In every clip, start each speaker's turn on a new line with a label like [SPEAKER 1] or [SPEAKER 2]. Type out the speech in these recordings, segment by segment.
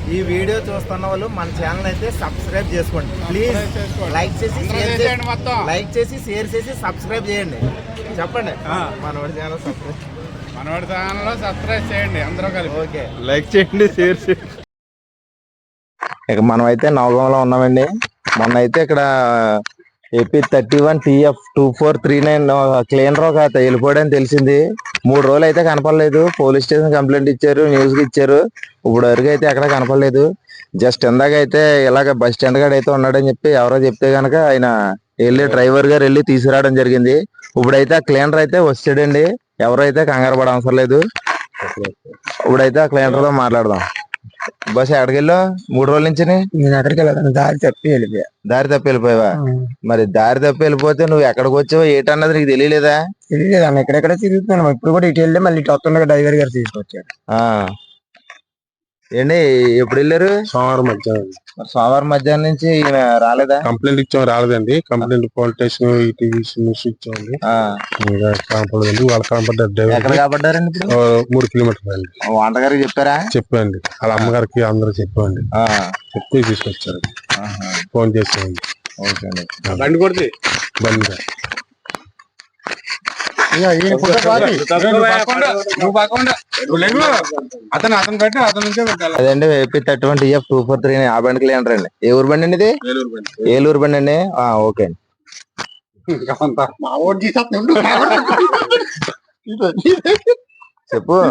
[SPEAKER 1] ఈ వీడియో చూస్తున్న వాళ్ళు మన ఛానల్ అయితే సబ్స్క్రైబ్ చేసుకోండి ప్లీజ్. లైక్ చేసి షేర్ చేసి సబ్స్క్రైబ్ చేయండి. చెప్పండి మనవాడి ఛానల్ సబ్స్క్రైబ్ చేయండి అందరూ కలిపి. ఓకే, లైక్ చేయండి, షేర్ చేయండి. ఇక మనం అయితే నవగంలో ఉన్నామండి. మొన్న అయితే ఇక్కడ ఏపీ 31 TF 2439 క్లీనర్ ఒక వెళ్ళిపోయాడని తెలిసింది. 3 రోజులు అయితే కనపడలేదు. పోలీస్ స్టేషన్ కంప్లైంట్ ఇచ్చారు, న్యూస్ కి ఇచ్చారు. ఇప్పుడు వరకు అయితే ఎక్కడ కనపడలేదు. జస్ట్ ఇందాక అయితే ఇలాగ బస్ స్టాండ్ కాడ అయితే ఉన్నాడని చెప్పి ఎవరో చెప్తే గనక ఆయన వెళ్ళి డ్రైవర్ గారు వెళ్ళి తీసుకురావడం జరిగింది. ఇప్పుడైతే ఆ క్లీనర్ అయితే వచ్చాడండి. ఎవరైతే కంగారు పడ అవసరం లేదు. ఇప్పుడైతే ఆ క్లీనర్ తో మాట్లాడదాం. బస్ ఎక్కడికి వెళ్ళావు 3 రోజుల నుంచి?
[SPEAKER 2] నేను ఎక్కడికి వెళ్ళాను, దారి తప్పి వెళ్ళిపోయా.
[SPEAKER 1] దారి తప్పి వెళ్ళిపోయావా? మరి దారి తప్పి వెళ్ళిపోతే నువ్వు ఎక్కడికి వచ్చావో ఏంటన్నది నీకు తెలియలేదా?
[SPEAKER 2] తెలియలేదు అన్న, ఎక్కడెక్కడ తిరుగుతున్నాను. ఇప్పుడు కూడా ఇటు వెళ్ళి మళ్ళీ ఇటు వస్తుండగా డ్రైవర్ గారు తీసుకొచ్చాడు.
[SPEAKER 1] ఏంటి ఎప్పుడు వెళ్ళారు?
[SPEAKER 3] సోమవారం మధ్యాహ్నం.
[SPEAKER 1] సోమవారం మధ్యాహ్నం నుంచి ఈయన రాలేదా?
[SPEAKER 3] కంప్లైంట్ ఇచ్చాం, రాలేదండి. కంప్లైంట్ పోలీస్ స్టేషన్ న్యూస్ ఇచ్చామండి. కనపడదండి. వాళ్ళు కనపడ్డారు.
[SPEAKER 1] ఎక్కడ కాబడ్డారండి? ఇప్పుడు
[SPEAKER 3] 3 కిలోమీటర్లు అండి.
[SPEAKER 1] వంటగారికి చెప్పారా?
[SPEAKER 3] చెప్పండి, వాళ్ళ అమ్మగారికి అందరూ చెప్పండి. చెప్తే తీసుకొచ్చారు. ఫోన్ చేసామండి.
[SPEAKER 1] ఓకే అండి.
[SPEAKER 3] బండి కొడితే బండి
[SPEAKER 1] అదండి ఏపీ 31 TF 2439 ఆ బండి క్లీనర్ అండి. ఏ ఊరు బండి అండి ఇది? ఏలూరు బండి అండి. ఓకే అండి. చెప్పు.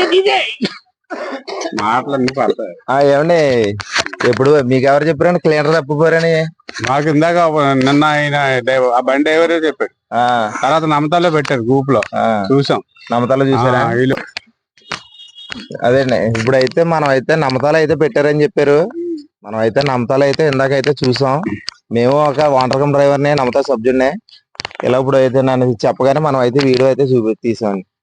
[SPEAKER 3] మాటలన్నీ పడతాయి.
[SPEAKER 1] ఏమండి ఎప్పుడు మీకు ఎవరు చెప్పారండి క్లీనర్ తప్పిపోరని?
[SPEAKER 3] మాకు ఇందాక నిన్న ఆయన ఆ బండి డ్రైవరే చెప్పాడు. తర్వాత నమ్మతాలో పెట్టారు గ్రూప్ లో, చూసాం.
[SPEAKER 1] నమ్మతాలో చూసారా? అదేండి ఇప్పుడైతే మనం అయితే నమ్మతాలు అయితే పెట్టారని చెప్పారు. మనం అయితే నమ్మతాలు అయితే ఇందాకైతే చూసాం. మేము ఒక వాంటర్కం డ్రైవర్ని, నమ్మతా సబ్జెక్ట్నే. ఇలా ఇప్పుడు అయితే నన్ను చెప్పగానే మనం అయితే వీడియో అయితే తీసామండి.